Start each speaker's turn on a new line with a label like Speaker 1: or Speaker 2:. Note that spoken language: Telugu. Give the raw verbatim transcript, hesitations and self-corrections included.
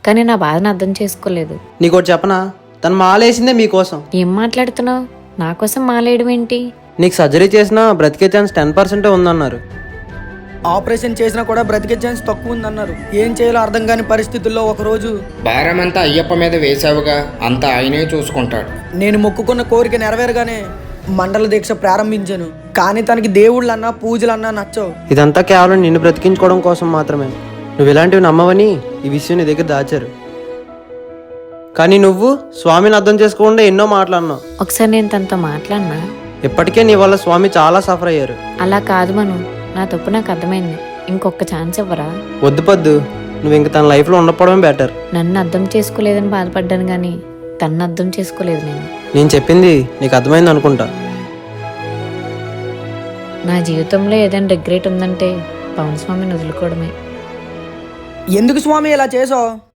Speaker 1: కానీ నా బాధను అర్థం చేసుకోలేదు.
Speaker 2: నీకోటి చెప్పనా, తను మాలేసిందే మీకోసం.
Speaker 1: ఏం మాట్లాడుతున్నావు? నా కోసం మాలేయడం ఏంటి?
Speaker 2: నీకు సర్జరీ చేసినా బ్రతికే ఛాన్స్ టెన్ పర్సెంటే ఉందన్నారు.
Speaker 3: ఆపరేషన్ చేసినా కూడా బ్రతికే ఛాన్స్ తక్కువ ఉందన్నారు. ఏం చేయాలో అర్థం కాని పరిస్థితుల్లో ఒకరోజు
Speaker 4: భారమంతా అయ్యప్ప మీద వేసావుగా, అంతా ఆయనే చూసుకుంటాడు.
Speaker 3: నేను మొక్కుకున్న కోరిక నెరవేరగానే మండల దీక్ష ప్రారంభించాను. కానీ తనకి దేవుళ్ళన్నా పూజలన్నా నచ్చవు.
Speaker 2: ఇదంతా కేవలం నిన్ను బ్రతికించుకోవడం కోసం మాత్రమే. నువ్వు ఇలాంటివి నమ్మవని ఈ విషయం నీ దగ్గర దాచారు. కానీ నువ్వు స్వామిని అర్థం చేసుకోకుండా ఎన్నో మాట్లాడినావు.
Speaker 1: ఒకసారి నేను తనతో మాట్లాడినా.
Speaker 2: ఇప్పటికే నీ వల్ల స్వామి చాలా సఫర్ అయ్యారు.
Speaker 1: అలా కాదు మను, నా తప్పు నాకు అర్థమైంది. ఇంకొక ఛాన్స్ ఇవ్వరా?
Speaker 2: వద్దు పద్దు, నువ్వు ఇంక తన లైఫ్లో ఉండకపోవడమే బెటర్.
Speaker 1: నన్ను అర్థం చేసుకోలేదని బాధపడ్డాను కానీ తన్ను అర్థం చేసుకోలేదు నేను.
Speaker 2: నేను చెప్పింది నీకు అర్థమైంది అనుకుంటా.
Speaker 1: నా జీవితంలో ఏదైనా రిగ్రెట్ ఉందంటే పవన్ స్వామిని వదులుకోవడమే.
Speaker 3: ఎందుకు స్వామి ఇలా చేసావు?